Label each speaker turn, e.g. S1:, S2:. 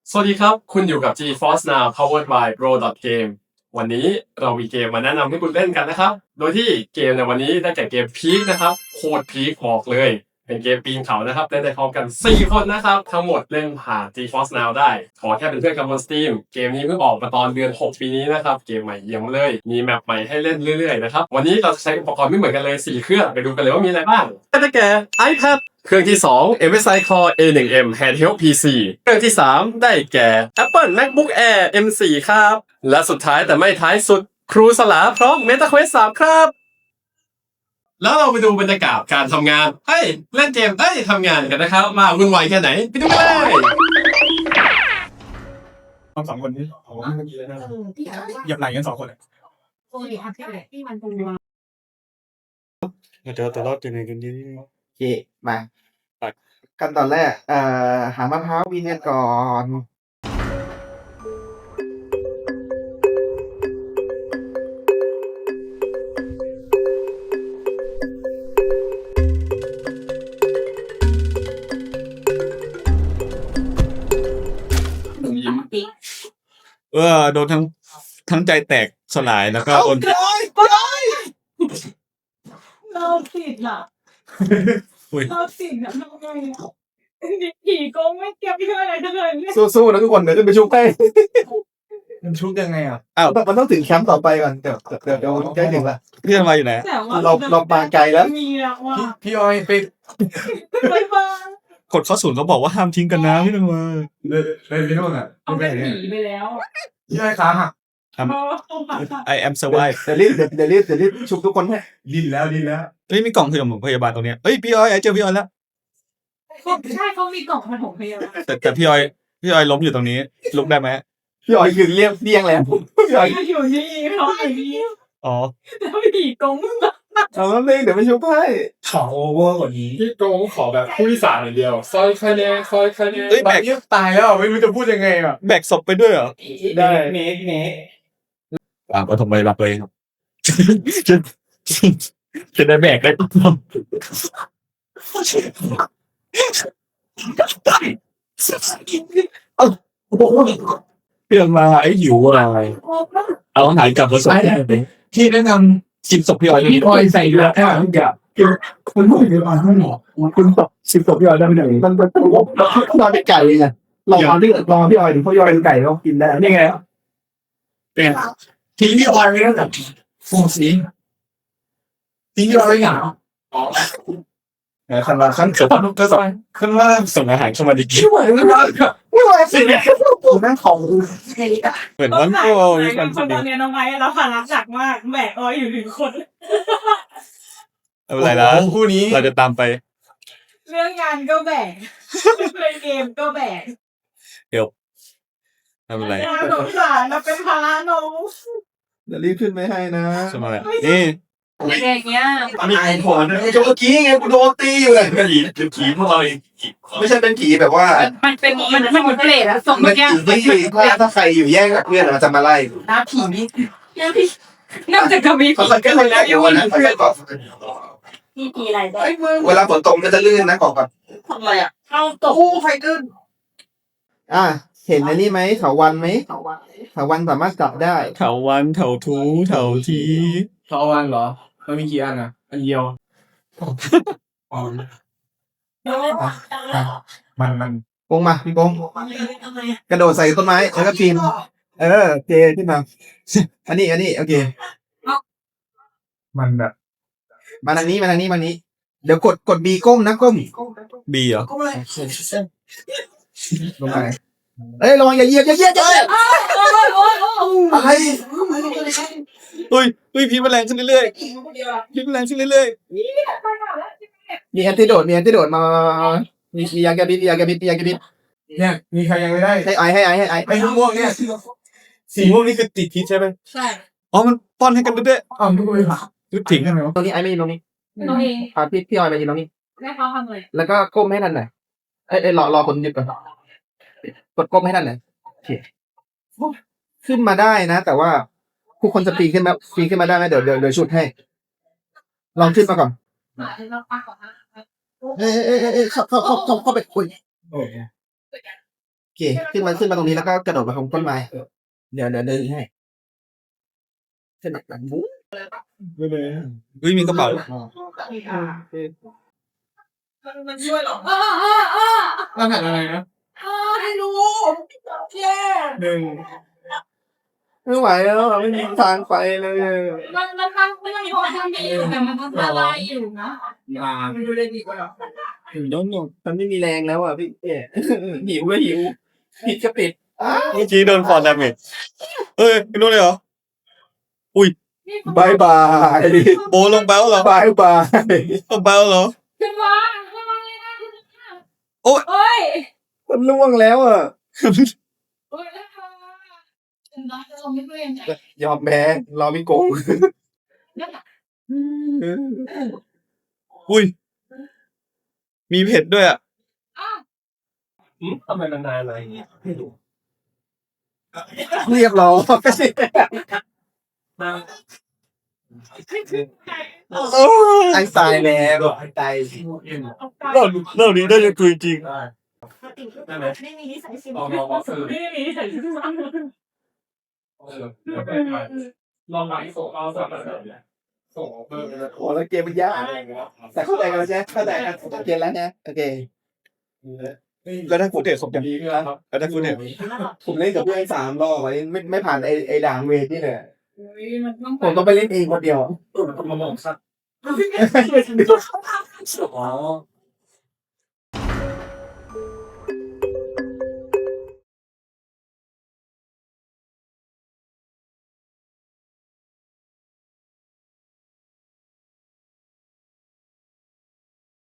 S1: สวัสดีครับ คุณอยู่กับ GeForce Now powered by Pro.game วันนี้เรามีเกมมาแนะนำให้คุณเล่นกันนะครับ โดยที่เกมในวันนี้ได้แก่เกมพีคนะครับ โคตรพีคบอกเลย เป็นเกมปีนเขานะครับเล่นได้พร้อมกัน 4 คนนะครับ ทั้งหมดเล่นผ่าน GeForce Now ได้ ขอแค่เป็นเพื่อนกันบน Steam เกมนี้เพิ่งออกมาตอนเดือน 6 ปีนี้นะครับ เกมใหม่เยี่ยมเลย มีแมปใหม่ให้เล่นเรื่อยๆนะครับ วันนี้เราจะใช้อุปกรณ์ไม่เหมือนกันเลย 4 เครื่อง ไปดูกันเลยว่ามีอะไรบ้างได้แก่ iPad เครื่องที่ 2 MSI Core A1M Handheld PC เครื่องที่ 3 ได้แก่ Apple MacBook Air M4 ครับ และสุดท้ายแต่ไม่ท้ายสุดครูสลาพร้อม MetaQuest 3 ครับ แล้วเราไปดูบรรยากาศการทำงานเล่นเกมทำงานกันนะครับ มาวุ่นวายแค่ไหน ไปดูกันเลย
S2: ทั้งสองคนนี้ผมว่าเมื่อกี้เลยนะเหยียบไหล่กัน2 คนเลย
S3: ที่มันเป็นวา
S2: เจอตัวรอดอยู่ในกันนี้
S4: โอเคมาขั้นตอนแรกหามะพร้าววีเนียนก่อน
S2: โดนทั้งใจแตกสลายแล้วก็โดน
S3: เราติดอ่ะ
S2: อุ้ย
S3: เราติดอ่ะทำไงอ่ะผีโกงไม่เก็บเพื่ออะไรทั้งนั้นเลย
S4: สู้ๆนะทุกคนเดี๋ยวขึ้นไปชุบให้
S2: มันชุกยังไงอ่ะ
S4: อ้าวมันต้องถึงแคมป์ต่อไปก่อนเดี๋ยวใกล้ถึงละ
S2: เพื่อนมาอยู่ไหน
S3: แต่ว่า
S4: เรามาไกลแล้ว
S3: มีแล้วว่า
S2: พี่ออยไป
S3: ไปบ้าง
S2: กดข้อศูนย์เขาบอกว่าห้ามทิ้งกันนะพี่นึงมาเลยพี่นุ่นอ่ะ
S3: เอาเป็นผีไปแล้ว
S2: พี่ออยขาหัก
S3: เพราะว่าต้องผ่าตัด
S2: I am survive
S4: เดี๋ยวรีบชุบทุกคนให้
S2: ดิ้นแล้วเฮ้ยมีกล่องพยาบาลตรงเนี้ยเฮ้ยพี่ออยเจอพี่ออยแล้ว
S3: ใช่เขามีกล่องปฐมพยาบาล
S2: แต่พี่ออยล้มอยู่ตรงนี้ลุกได้ไหม
S4: พี่อ๋อยยืนเรียบเรียงแล้วพี่อ๋อย
S3: อยู่นี่เขาอยู่นี่
S2: อ๋อ
S3: แล้วผีโกง
S4: เอาแล้วเองเดี๋ยวไปชุบให้
S2: ขอโอเวอร์กว่านี้
S1: พี่โกงขอแบบผู้ที่สามอย่างเดียว ซอยคะแนน
S2: เฮ้ยแบก
S1: ตายแล้วไม่รู้จะพูดยังไงอ่ะ
S2: แบกศพไปด้วยเหรอ
S1: ได้
S3: เมฆ
S2: ปฐมพยาบาลตัวเองครับจะได้แบกได้เพื่อนมาไอ้หิวอะไรเอาอาหารกลับมาส่งที่แนะนำ10 ศพพี่ออยพี่ออยใส่เรือแค่ทุกอย่างคุณไม่ได้มาให้หรอคุณตอบ10 ศพพี่ออยได้ไหมเนี่ย
S4: มันนอนเป็นไก่ไงรอพี่อ๋อยถึงพ่อยอยเป็นไก่แล้วกินได้นี่ไง
S2: เป็นทีพี่ออยไม่ได้แบบฟงสีทีพี่ออยไม่เหงาขั้นว่าขั้นเกิดก็สายขั้นว่าส่งอาหารเข้ามาดีกี่วันไม่ไหวสิเนี่ย
S4: แม่งของ
S2: เหมือนวันโอ้ย
S3: ค
S2: กัน
S3: นตอนนี้น้องไม้เราผ่านรักจักมากแบกอ้อยอยู่1 คน
S2: อะไรนะคู่นี้เราจะตามไป
S3: เรื่องงานก็แบกเล่นเกมก็แบก
S2: ทำอะไร
S3: น่าสงสารเราเป็นภาระน้อง
S4: เดี๋ยวรีบขึ้นไปให้นะ
S2: ทำอะไรนี่
S3: อย่างเงี้ย
S4: มีไอ้ผลเมื่อกี้ไงกูโดนตีอยู่เลย
S2: ผีพวกเรา
S4: ไม่ใช่เป็นผีแบบว่า
S3: มันเป็นมันเหมือนเปรตอะส่ง
S4: มัน
S3: เมื่อกี้
S4: ผีถ้าใครอยู่แย่งกับเพื่อนมันจะมาไล่
S3: หน้าผีนี่หน้าผีนอกจากจะมี
S4: เขาก็ไม่ได้อยู่นะเขาแค่บอก
S3: ผีอะไรได้
S4: เวลาฝนตกมันจะลื่นนะบอกก่อน
S3: ทำอะไรอะเอาตก
S4: ไฟลื่นเห็นในนี่ไหมเถาวันไหมเถาวันสามารถจับได้
S2: เถาวันเถาทูเถาที
S1: ทอวันเหรอ มันมีกี่อันอ่ะ อันเดียว
S2: มัน
S4: กงมาพี่กงกระโดดใส่ต้นไม้แล้วก็ปีนเทขึ้นมาอันนี้โอเค
S2: มันแบบ
S4: มาทางนี้เดี๋ยวกดบีก้มนะก้ม
S2: บีเหรอ
S4: ลงไประวังอย่าเหยียบอะไร
S2: เฮ้ยพี่มันแรงขึ้นเรื่อยๆพี่มันแรงขึ้นเรื่อย
S4: มีแอนติโดดมามียาแก้พิษ
S2: เนี่ยมีใครยังไม่ได้
S4: ให้ไอ
S2: ไอ้ม่วงเนี่ยสีม่วงนี่คือติดพิษใช่ไหม
S3: ใช่
S2: อ๋อมันป้อนให้กันด้วยอ๋อไม่รู้ยุดถิ่งกันไหมวะ
S4: ตรงนี้ไอไม่ยืนตรงนี้
S3: น้องเอง
S4: พาพี่ออยมายืนตรงนี้
S3: แม่เขาทำเลย
S4: แล้วก็ก้มให้ทันหน่อยรอคนหยุดก่อนกดก้มให้ทันหน่อยโอเคขึ้นมาได้นะ แต่ว่าผู้คนจะปีนขึ้นมาได้ไหมเดี๋ยวชุดให้ ลองขึ้นมาก่อน
S3: เราปากก่อนนะ
S4: เข้าไปคุยเคขึ้นมาตรงนี้แล้วก็กระโดดมาตรงต้นไม้เดี๋ยวเดินให้ขึ้นมาแบบมุ้ง
S2: เฮ้ยมีกระเป๋า
S3: มันช่วยหรอ
S2: รหัสอะไรนะ
S3: ให้รู้แย่
S4: หนึ่งไม่ไหวแล้วอะไม่มีทางไปเลย
S3: มันตั้งไม่ต้องมีคนทำดีอยู่แต่มันต้องอะไรอยู่นะ
S4: มันดูได้ดีกว่าถึงโดนหมดมันไม่มีแรงแล้วอ่ะพี่หิวก็หิวปิดก็ปิด
S2: เมื่อกี้โดนฟอนดาเมจเอ้ยไม่รู้เลยเหรอ
S4: บายบาย
S2: โบลงไปแล้วเหรอบ
S4: ายบาย
S2: ลงไปแล้วเหรอ
S3: ขึ้นมาเลยนะ
S2: โอ๊ย
S3: โอ้ย
S4: มันล่วงแล้วอ่ะ
S3: โอ้ยนะคะฉันรักจะลงไม่เปลี่ยนใจ
S4: ยอมแพ้รอพี่โกง
S2: อุ้ยมีเผ็ดด้วยอ่ะ
S1: ทำไมมันนานอะไรอย่างเงี้ยไม่รู้
S4: เรียบร้อยไอ้ตายแล้วไอ้ตาย
S2: เรื่องนี้ได้จะคุยจริง
S3: ไม่มีนิสัยสิ
S1: ลองซื้อ
S3: ไม่มีนิสัยสิซ้ำ
S1: ลองไลฟ์ส่งเอาสักส่งเบอร์
S4: โอ้แล้วเกมมันยากแต่เข้าใจกันแล้วใช่ไหมเข้าใจกันเกมแล้วนะโอเค
S2: แล้วถ้าฟุตเทจครบยัง
S1: ดีขึ้นแล้วครับ
S2: แล้วถ้าฟุตเทจ
S4: ผมเล่นกับเพื่อน3 รอบไม่ผ่านไอ้ด่างเวทนี่เลย
S3: มันต้อง
S4: ผมต้องไปเล่นเองคนเดียว
S1: มาบอกสัก
S4: ไม่ใช่